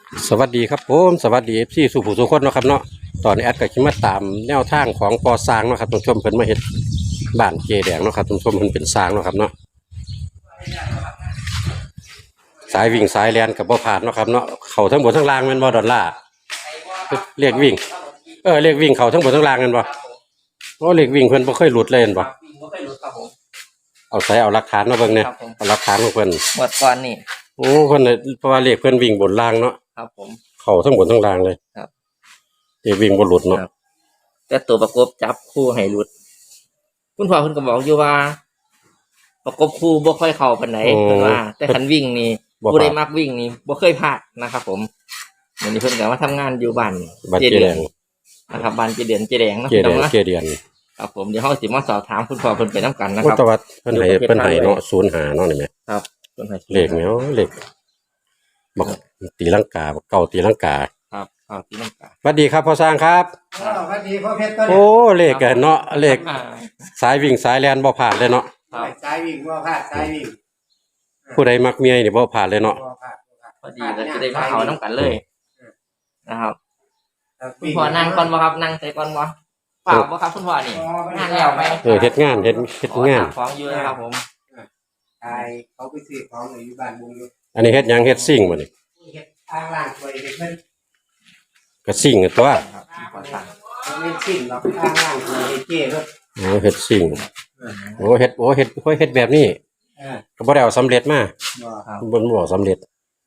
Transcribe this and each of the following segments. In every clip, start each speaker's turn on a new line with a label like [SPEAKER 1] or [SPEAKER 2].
[SPEAKER 1] สวัสดีครับผมสวัสดีเอฟซีสุภูสุคนเนาะครับเนาะตอนนี้แอดก็คิดมาตามแนวทางของปอสร้างเนาะครับท่านผู้ชมเพิ่นมาเฮ็ดบ้านเจแดงเนาะครับท่านผู้ชมเพิ่นเป็นสร้างเนาะครับเนาะสายวิ่งสายแลนกับบ่ผ่านเนาะครับเนาะเข้าทั้งบนทั้งล่างแม่นบ่ดอลลาร์เรียกวิ่งเรียกวิ่งเข้าทั้งบนทั้งล่างแม่นบ่โอ้เรียกวิ่งเพิ่นบ่เคยหลุดเลยแม่นบ่เอาใส่เอาหลักฐานมาเบิ่งเนี่ยเอาหลักฐานของเพิ่น
[SPEAKER 2] หมดก่อนนี่
[SPEAKER 1] โอ้เพิ่นน่ะเพราะว่าเรียกเพิ่นวิ่งบนล่างเนาะ
[SPEAKER 2] ครับผม
[SPEAKER 1] เข้าทั้งบนทั้งล่างเลย
[SPEAKER 2] ครับ
[SPEAKER 1] เรียกวิ่งบ่หลุดเนาะ
[SPEAKER 2] แต่ตัวประกบจับคู่ให้หลุดคุณพ่อเพิ่นก็บอกอยู่ว่า ประกบคู่บ่ค่อยเข้าปานไหนเพิ่นว่า แต่คันวิ่งนี่ผู้ใดมักวิ่งนี่บ่เคยพลาดนะครับผมวันนี้เพิ่นก็มาทำงานอยู่บ้าน
[SPEAKER 1] เจแดง
[SPEAKER 2] นะครับบ้านเจแดงนะ
[SPEAKER 1] เจแดงเจแดง
[SPEAKER 2] ครับผมเดี๋ยวเฮาสิมาสอบถามคุณพ่อเพิ่นไปนํกันนะครับ
[SPEAKER 1] ตวัดเพิ่นให้เนาะ05เนาะนี่แม่
[SPEAKER 2] ครับเพิ่นให้
[SPEAKER 1] เลขแมวเลขบอกตีลังกาบอกเก่าตีลังกา
[SPEAKER 2] ครับตีลังกา
[SPEAKER 1] สวัสดีครับพ่อสร้างครับ
[SPEAKER 3] สวัสดีพ่อเพชรต้น
[SPEAKER 1] โอ้เลขกันเนาะเลขสายวิ่งสายแลนบ่ผ่านเลยเนาะ
[SPEAKER 3] สายวิ่งบ่พลาดสายวิ่ง
[SPEAKER 1] ผู้ใดมักเมียนี่บ่ผ่านเลยเนาะ
[SPEAKER 2] พอดีเราจะได้มาเอาน้ำกันเลยนะครับคุณพ่อนั่งก่อนบ่ครับนั่งใส่ก่อนบ่เปล่าบ่ครับคุณพ่อนี่งานแล้วไหม
[SPEAKER 1] เฮ็ดงานงาน
[SPEAKER 2] ของอยู่นะครับผม
[SPEAKER 3] ใช่เขาไปซื้อของอยู่บ้านบุงอยู่
[SPEAKER 1] อันนี้เฮ็ดหยังเฮ็ดซิ่งบ่นี่
[SPEAKER 3] เฮ็ดอ่างล้างถ้วยเพิ่น
[SPEAKER 1] ก็ซิ่งตัว
[SPEAKER 3] ไม่ซิ่งหรอกอ่างล้างถ้วยเจ้เพิ่น
[SPEAKER 1] โอ้เฮ็ดซิ่งเฮ็ดแบบนี้ก็บ่ได้เอาสำเร็จมา
[SPEAKER 3] บ่ครับ
[SPEAKER 1] บ่สำเร็จ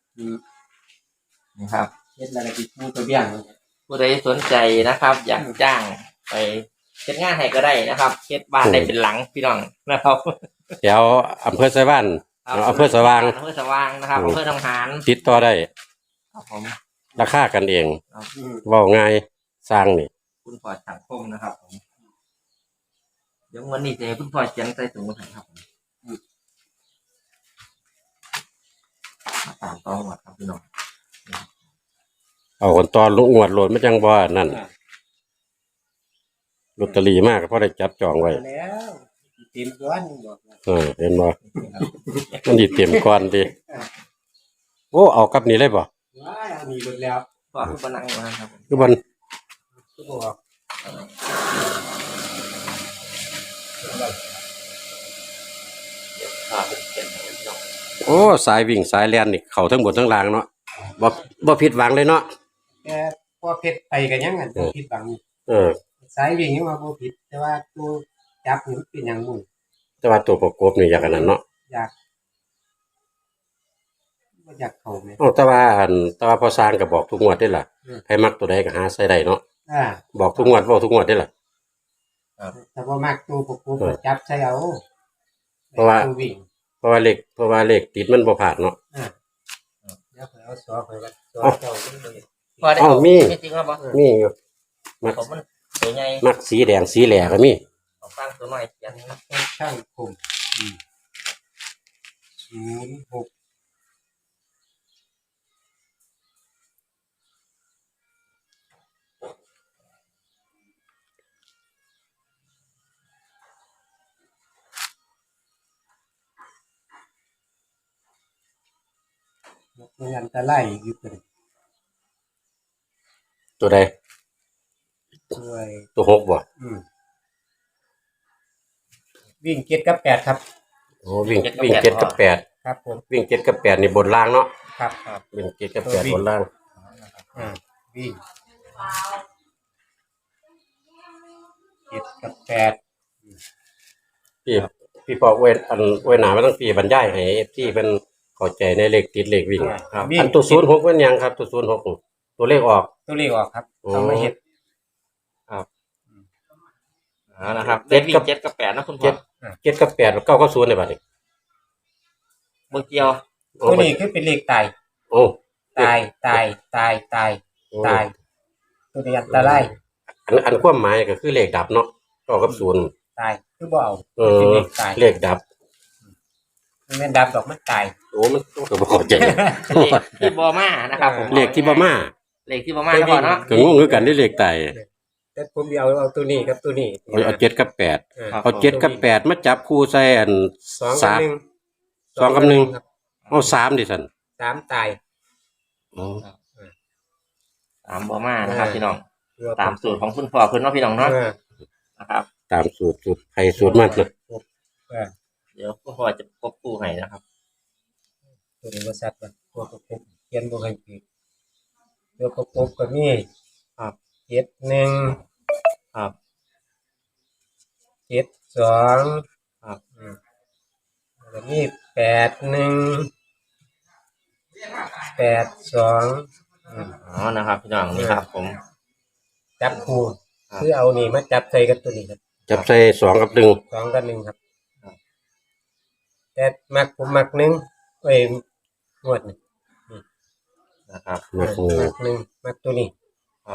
[SPEAKER 2] นี่ครับ
[SPEAKER 3] เฮ็ดอะไรติดมือตัวเบี้ยง
[SPEAKER 2] ผู้ใดสนใจนะครับอยากจ้างไปเฮ็ดงานให้ก็ได้นะครับเฮ็ดบ้านได้เป็นหลังพี่น้องนะครับ
[SPEAKER 1] เดี๋ยวอำเภอไชบ้านอำเภอสว่าง
[SPEAKER 2] นะครับอำเภอทองหาร
[SPEAKER 1] ติดต่อได้
[SPEAKER 2] ครับผม
[SPEAKER 1] ราคากันเองเว้าง่ายสร้างนี่
[SPEAKER 2] คุณพ่อสังคมนะครับผมเดี๋ยววันนี้จะให้คุณพ่อเขียนใส่ถุงให้ครับผมมาตามต่อหมดครับพี่น้อง
[SPEAKER 1] เอาคนตอนลุกงวดโหลดไม่จังบ่นั่นลอตเตอรี่มากเพราะได้จับจองไว้
[SPEAKER 3] แล้วเต็มก้อนบอก
[SPEAKER 1] เห็นบ่มันสิเต็มก้อนดิโอ้เอากับนี่เลยบ่
[SPEAKER 3] ว้ายเอามีหมดแล้ว
[SPEAKER 2] พ่อคือบ่นั่งมาครับ
[SPEAKER 1] คือบ่
[SPEAKER 3] คือบอก
[SPEAKER 1] โอ้สายวิ่งสายแล่นนี่เข้าทั้งบนทั้งล่างเนาะบ่ผิดหวังเลยเนาะ
[SPEAKER 3] แต่พ่อเพชรไปกันยังกันผิดหวังสายวิ่งยังว่าบ่ผิดแต่ว่าตัวจับนี่เป็นหยังมุ่ง
[SPEAKER 1] แต่ว่าตัวประกบนี่อยากอันนั้นเนาะ
[SPEAKER 3] อยากเข้าแม่
[SPEAKER 1] แต่ว่าพอสร้างก็บอกทุกงวดได้ล่ะให้มักตัวใดก็หาใส่ได้เนาะบอกทุกงวดเว้าทุกงวดได้ล่ะ
[SPEAKER 3] แต่บ่มักตัวประกบจับใส่เอา
[SPEAKER 1] เพราะว่าเลขติดมันบ่ผ่านเนาะ
[SPEAKER 3] เดี๋ยวเอาซอไปว่าซอเจ้า
[SPEAKER 1] มีจริงบ่มีอยู่มัก
[SPEAKER 2] มันตัวใหญ่
[SPEAKER 1] มักสีแดงสีแหล่ก็มี
[SPEAKER 2] เอาฟังตัวหน่อยอย่างนี้
[SPEAKER 3] ช่างคม06มันอันตรายอยู่
[SPEAKER 1] ตัวใดตัว6บ่
[SPEAKER 3] วิ่ง7กับ8ครับ
[SPEAKER 1] โอ้วิ่ง7กับ8
[SPEAKER 3] ครับผม
[SPEAKER 1] วิ่ง7กับ8นี่บนล่างเนาะ
[SPEAKER 3] ครับ
[SPEAKER 1] วิ่ง7กับ8บนล่าง
[SPEAKER 3] วิ่ง7กับ8
[SPEAKER 1] พี่พอเว้หนามาตั้งปีบรรยายให้ที่เป็นเข้าใจในเลขติดเลขวิ่งครับอันตัว06เป็นหยังครับตัว06ตัวเลขออก
[SPEAKER 3] ครับเอามาเฮ็ด
[SPEAKER 2] ครับนะครับ7กับ8นะคุณพ่อ
[SPEAKER 1] 7กับ8 9กับ0ได้บัดนี้
[SPEAKER 2] บ่เกี่ยว
[SPEAKER 3] ตัวนี้คือเป็นเลขตาย
[SPEAKER 1] โอ้
[SPEAKER 3] ตายตัวนี้อันตราย
[SPEAKER 1] อันความหมายก็คือเลขดับเนาะ9กับ0
[SPEAKER 3] ตายคือบ่เอา
[SPEAKER 1] เลขตายเลขดับ
[SPEAKER 3] มันแม่นดับดอกมันตาย
[SPEAKER 1] โอ้มันก็บ่เข้าใจ
[SPEAKER 2] ที่บ่มานะครับผม
[SPEAKER 1] เลขที่บ่มา
[SPEAKER 2] แล้วพ่อเนาะ
[SPEAKER 1] ก็งงคือกันได้เลขตาย
[SPEAKER 3] แต่ผมเอาตัวนี้กับตัวนี้
[SPEAKER 1] เอา7กับ8เอา7กับ8มาจับคู่ใส่อัน2กับ1เอา3ดิซั่น
[SPEAKER 3] 3ตาย
[SPEAKER 2] ตามบ่มานะครับพี่น้อง
[SPEAKER 3] ตัว
[SPEAKER 2] ตามสูตรของคุณพ่อเพิ่นเนาะพี่น้องเนาะ
[SPEAKER 3] เออ
[SPEAKER 2] นะครับ
[SPEAKER 1] ตามสูตรใครสูตรมันนะ
[SPEAKER 3] เออ
[SPEAKER 2] เดี๋ยวคุณพ่อจะกบคู่ให้นะครับ
[SPEAKER 3] ตัวนี้บ่ซัดมันตัวประกบเขียนบ่ให้ผิดตัวประกบก็มีครับ71
[SPEAKER 2] ครับ
[SPEAKER 3] 72ครับแล้วมี82
[SPEAKER 2] อ๋อนะครับพี่น้องนี่ครับผม
[SPEAKER 3] จับคู่คือเอานี่มาจับใส่กับตัวนี้ครับ
[SPEAKER 1] จับใส่2 กับ
[SPEAKER 3] 2 กับ 1ครับแต่ผมมัก1เอ้ยงวดนี่
[SPEAKER 2] นะครับ
[SPEAKER 1] 1มัก
[SPEAKER 3] มัก1มักตัวนี้
[SPEAKER 2] ครับ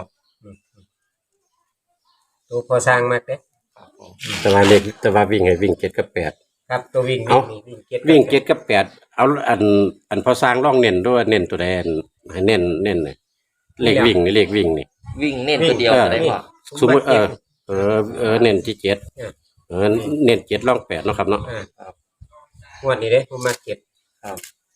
[SPEAKER 3] ตัวพอสร้างมักเด้
[SPEAKER 2] ครับผม
[SPEAKER 1] แต่ว่าวิ่งให้วิ่ง7 กับ 8
[SPEAKER 3] ครับตัววิ่ง
[SPEAKER 1] เอ้า
[SPEAKER 3] นี่วิ่ง
[SPEAKER 1] วิ่ง7 กับ 8เอาอันพอสร้างร่องเน้นด้วยเน้นตัวใดให้เน้นเลยเลขวิ่งนี่
[SPEAKER 2] วิ่งเน้นตัวเดียวก็ได้พ่อ
[SPEAKER 1] สมมุติเน้นที่7เน้น7ร่อง8เนาะครับเนาะ
[SPEAKER 3] งวดนี้เด้ผมมัก7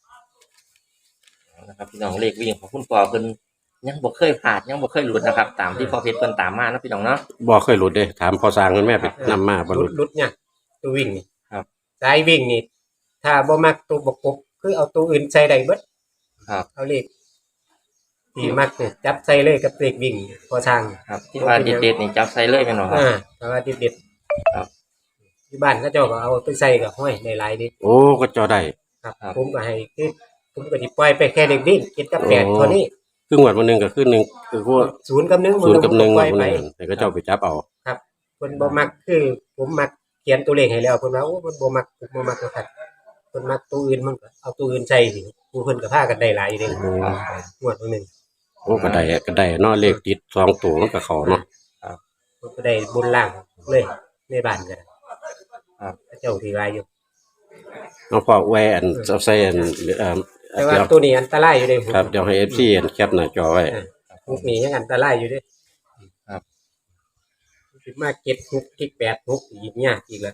[SPEAKER 2] นะครับพี่น้องเลขวิ่งของคุณพ่อเพิ่นยังบ่เคยผ่านยังบ่เคยหลุดนะครับ ตามที่พ่อเพชรเพิ่นตามมานะพี่น้องเนาะ
[SPEAKER 1] บ่เคยหลุดเด้ถามพอสร้างเพิ่นแม่ไปนำมาบ่หลุด
[SPEAKER 3] รุดเนี่ยตัววิ่งนี่
[SPEAKER 2] ครับ
[SPEAKER 3] สายวิ่งนี่ถ้าบ่มักตัวประกบคือเอาตัวอื่นใส่ได้เบิด
[SPEAKER 2] ครับ
[SPEAKER 3] เอาเลขที่มักเนี่ยจับใส่เลยกับเลขวิ่งพอสร้าง
[SPEAKER 2] ครับที่ว่าเด็ดๆนี่จับใส่เลยแม่นบ่ครับ
[SPEAKER 3] แต่ว่าเด็ด
[SPEAKER 2] ครับ
[SPEAKER 3] ที่บ้านเขาเจ้าก็เอาไปใส่กับห้อยในหลายดิ
[SPEAKER 1] โอ้ก็จอได้
[SPEAKER 3] ครับ
[SPEAKER 2] ครับ
[SPEAKER 3] ผมก็ให้คือผมก็สิปล่อยไปแค่เลขวิ่ง7กับ8
[SPEAKER 1] โอ้
[SPEAKER 3] เท่านี้
[SPEAKER 1] คืองวดวันหนึงก็คือ1คือพวก
[SPEAKER 3] 0 กับ 1
[SPEAKER 1] 0 กับ 1
[SPEAKER 3] ป
[SPEAKER 1] งว
[SPEAKER 3] ล่
[SPEAKER 1] ด
[SPEAKER 3] อย
[SPEAKER 1] วัน
[SPEAKER 3] ไป
[SPEAKER 1] นึงแต่ก็เจ้าไปจับเอา
[SPEAKER 3] ครับเพิ่นบ่มักคือผมมักเขียนตัวเลขให้แล้วเพิ่นว่าโอ้เพิ่นบ่มักผมบ่มักตัวคัดเพิ่นมักตัวอื่นมันก็เอาตัวอื่นใส่สิผู้เพิ่นก็พากันได้หลายอยู่เด้งวดนึง
[SPEAKER 1] โอ้ก็ได้เนาะเลขติด2ตัวมันก็เข้าเนาะ
[SPEAKER 3] เพิ่นก็ได้บนล่างเลยในบ้านก็ได้
[SPEAKER 2] ครับ
[SPEAKER 3] เจ้าที่ว่าอยู่
[SPEAKER 1] เอาพอแวอันเอาใส่อัน
[SPEAKER 3] แต่ว่า
[SPEAKER 1] เดี๋ยว
[SPEAKER 3] ตัวนี้อันตรายอยู่เด้
[SPEAKER 1] ครับเดี๋ยวให้ FC อันแคปหน้าจอไว้
[SPEAKER 3] พวกนี้ยังอันตรายอยู่เด้
[SPEAKER 2] ครับ
[SPEAKER 3] สิมาเก็บ6เก็บ8 6อีกยากอีกแล้ว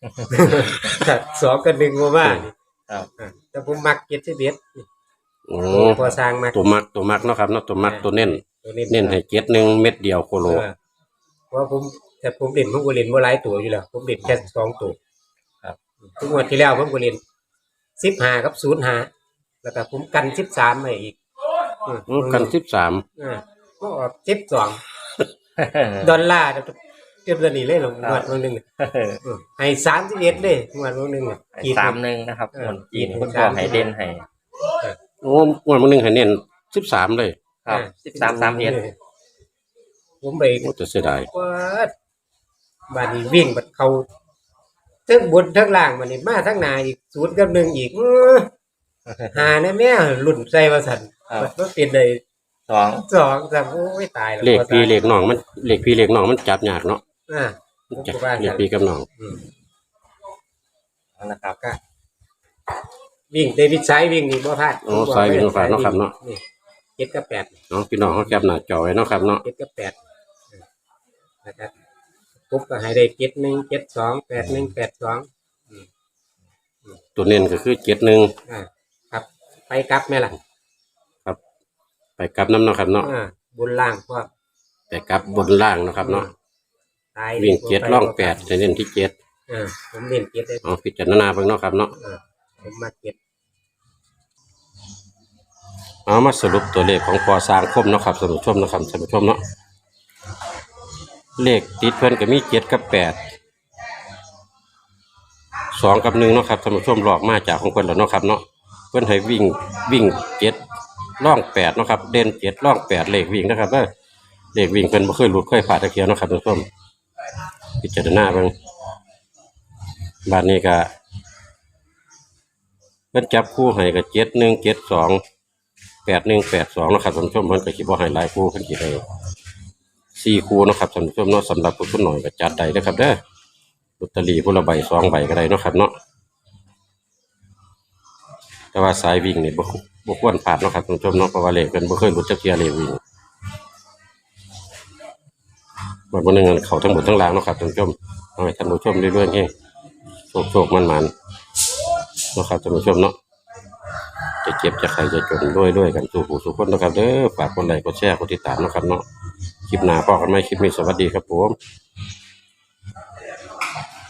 [SPEAKER 3] 2กับ1บ่มานี่
[SPEAKER 2] ครับ
[SPEAKER 3] แต่ผมมัก71นี่
[SPEAKER 1] โอ้
[SPEAKER 3] พอสร้างมัก
[SPEAKER 1] ตัวมักเนาะครับเนาะตัวมักตัวเน้น
[SPEAKER 3] ตัว
[SPEAKER 1] เน้นให้1เม็ดเดียวโคโล
[SPEAKER 3] เพราะผมแต่ผมเล่นผมก็เล่นบ่หลายตัวอยู่แล้วผมเล่นแค่2ตัว
[SPEAKER 2] ครับ
[SPEAKER 3] ทุกงวดที่แล้วผมก็เล่น15กับ05แล้วก็ผมกัน13ไว้อีก
[SPEAKER 1] กัน13
[SPEAKER 3] ก็ออก12ดอลลาร์เทียบกันนี่เลยหรองวดนึงให้31เลยงวดนึงอ่ะ
[SPEAKER 2] 31นะครับคนจีนคุณพ่อให้เด่นให้
[SPEAKER 1] โอ้งวดวันหนึงให้เน้น13เลย
[SPEAKER 2] ครับ1331
[SPEAKER 3] ผมไป
[SPEAKER 1] โอ้จะเสียดาย
[SPEAKER 3] ว่าบาดนี้วิ่งบัดเขาทั้งบนทั้งล่างมันนี่มาทั้งหน้าอีก0กับ1อีกหาแน่แม่รุ่นใส่ว่าซั่นมันเป็นได้
[SPEAKER 2] 2
[SPEAKER 3] 2ครับโอ้ยตายแล้ว
[SPEAKER 1] เลขพี่เลขน้องมันจับยากเนาะ
[SPEAKER 3] ผม
[SPEAKER 1] จับ
[SPEAKER 3] ก็ว่า
[SPEAKER 1] เลข
[SPEAKER 3] ซั่น
[SPEAKER 1] พี่กับน้อง
[SPEAKER 2] นะครับ
[SPEAKER 3] ก็วิ่งเดวิดไซด์วิ่งนี่บ่พลาด
[SPEAKER 1] โอ้สายวิ่งผ่านเนาะครับเนาะ
[SPEAKER 3] นี่7กับ8
[SPEAKER 1] เนาะพี่น้องเขาแคปหน้าจอไว้เนาะครับเนาะ
[SPEAKER 3] 7กับ8นะครับปุ๊บก็ให้ได้71 72 81 82
[SPEAKER 1] ตัวเน้นก็คือ71
[SPEAKER 3] ครับไปกลับแม่ล่ะ
[SPEAKER 1] ไปกลับน้ำเนาะครับเนาะ
[SPEAKER 3] บนล่างพวก
[SPEAKER 1] แต่กลับบนล่างเนาะครับเนาะ
[SPEAKER 3] ตาย
[SPEAKER 1] วิ่ง7ร่อง8จะเน้นที่7
[SPEAKER 3] ผมเล่น7ได้
[SPEAKER 1] เอาพิจารณาเบิ่งเนาะครับเนาะ
[SPEAKER 3] ผมมา7
[SPEAKER 1] เอามาสรุปตัวเลขของพอสร้างคมเนาะครับท่านผู้ชมเนาะครับท่านผู้ชมเนาะเลขติดเพิ่นก็มี7กับ8 2กับ1เนาะครับท่านผู้ชมหลอกมาจากของเพิ่นแล้วเนาะครับเนาะเพิ่นให้วิ่ง7ร่อง8เนาะครับเด่น7ร่อง8เลขวิ่งนะครับเลขวิ่งเพิ่นบ่เคยหลุดเคยผ่านตะเคียนเนาะครับท่านผู้ชมพิจารณาเบิ่งบัดนี้ก็เพิ่นจับคู่ให้ก็71 72 81 82เนาะครับท่านผู้ชมเพิ่นก็สิบ่ให้หลายคู่เพิ่นสิได้4คู่เนาะครับท่านผู้ชมเนาะสำหรับผู้ทุนน้อยก็จัดได้เด้อครับเด้อลอตเตอรี่ผู้ละใบ2ใบก็ได้เนาะครับเนาะแต่ว่าสายวิ่งนี่บ่ควรพลาดเนาะครับท่านผู้ชมเนาะเพราะว่าเลขเพิ่นบ่เคยหลุดจักเที่ยเลขวิ่งวันนึงเข้าทั้งหมดทั้งล่างเนาะครับท่านผู้ชมเอาให้ท่านผู้ชมเรื่อยๆเองโชคๆมันๆเนาะครับท่านผู้ชมเนาะจะเจ็บจะใครจะจนด้วยกันสู่ผู้สู่คนนะครับเด้อฝากกดไลค์กดแชร์กดติดตามนะครับเนาะคลิปหน้าพอกันไหมคลิปนี้สวัสดีครับผม